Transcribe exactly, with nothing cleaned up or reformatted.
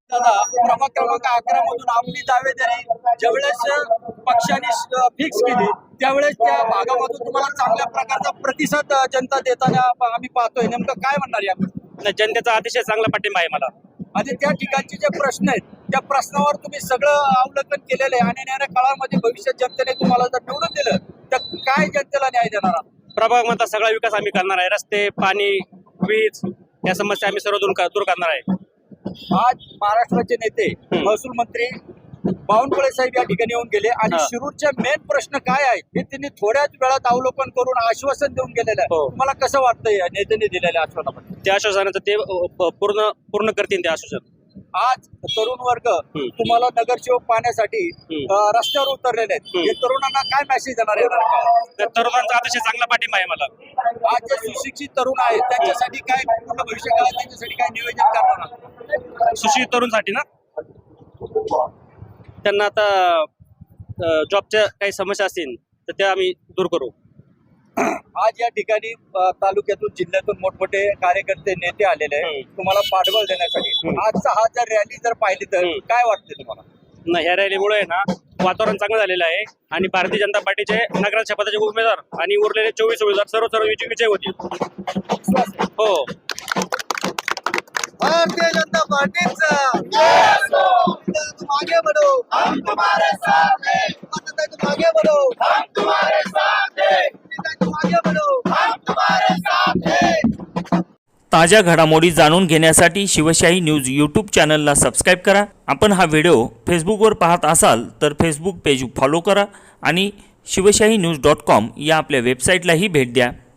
दादा, प्रभाग क्रमांक अकरा मधून आपली दावेदारी ज्यावेळेस पक्षाने फिक्स केली त्यावेळेस त्या भागामधून तुम्हाला चांगल्या प्रकारचा प्रतिसाद जनता देताना आम्ही पाहतोय. नेमकं काय म्हणणार यामध्ये? जनतेचा अतिशय चांगला पाठिंबा आहे मला. आणि त्या ठिकाणचे जे प्रश्न आहेत त्या प्रश्नावर तुम्ही सगळं अवलोकन केलेलं आहे आणि येणाऱ्या काळामध्ये भविष्यात जनतेने तुम्हाला जर निवडून दिलं तर काय जनतेला न्याय देणार आहात? प्रभाग मधला सगळा विकास आम्ही करणार आहे. रस्ते, पाणी, वीज या समस्या आम्ही सर्व दूर दूर करणार आहे. आज महाराष्ट्राचे नेते महसूल मंत्री बावनकुळे साहेब या ठिकाणी येऊन गेले आणि शिरूरचे मेन प्रश्न काय आहेत हे त्यांनी थोड्याच वेळात अवलोकन करून आश्वासन देऊन गेलेलं आहे. तुम्हाला कसं वाटतंय या नेत्यांनी दिलेल्या आश्वासनामध्ये? त्या आश्वासनाचं ते पूर्ण पूर्ण करतील ते आश्वासन. आज तरुण वर्ग तुम्हाला नगरसेवक पाहण्यासाठी रस्त्यावर उतरलेले आहेत. हे तरुणांना काय मेसेज देणार आहे? तरुणांचा अतिशय चांगला पाठिंबा आहे मला. आज जे सुशिक्षित तरुण आहेत त्यांच्यासाठी काय पूर्ण भविष्य काळात त्यांच्यासाठी काय नियोजन करणार आहात? सुशिक्षित तरुणसाठी ना, त्यांना आता जॉबच्या काही समस्या असतील तर त्या आम्ही दूर करू. आज या ठिकाणी तालुक्यातून जिल्ह्यातून मोठमोठे कार्यकर्ते नेते आलेले आहेत तुम्हाला पाठबळ देण्यासाठी. आजचा हा जर रॅली जर पाहिली तर काय वाटते तुम्हाला? ना ह्या रॅलीमुळे ना वातावरण चांगलं झालेलं आहे आणि भारतीय जनता पार्टीचे नगराध्यक्ष पदाचे उमेदवार आणि उरलेले चोवीस उमेदवार सर्व सर्व विजय होतील. हो, भारतीय जनता पार्टीचा तुम आगे बढ़ो, हम तुम्हारे साथ हैं. तुम आगे बढ़ो, हम तुम्हारे साथ हैं. तुम आगे बढ़ो, हम तुम्हारे साथ हैं. ताज्या घडामोडी जाणून घेण्यासाठी शिवशाही न्यूज यूट्यूब चॅनलला सबस्क्राईब करा. आपण हा व्हिडिओ फेसबुकवर पाहत असाल तर फेसबुक पेज फॉलो करा आणि शिवशाही न्यूज डॉट कॉम या आपल्या वेबसाईटलाही भेट द्या.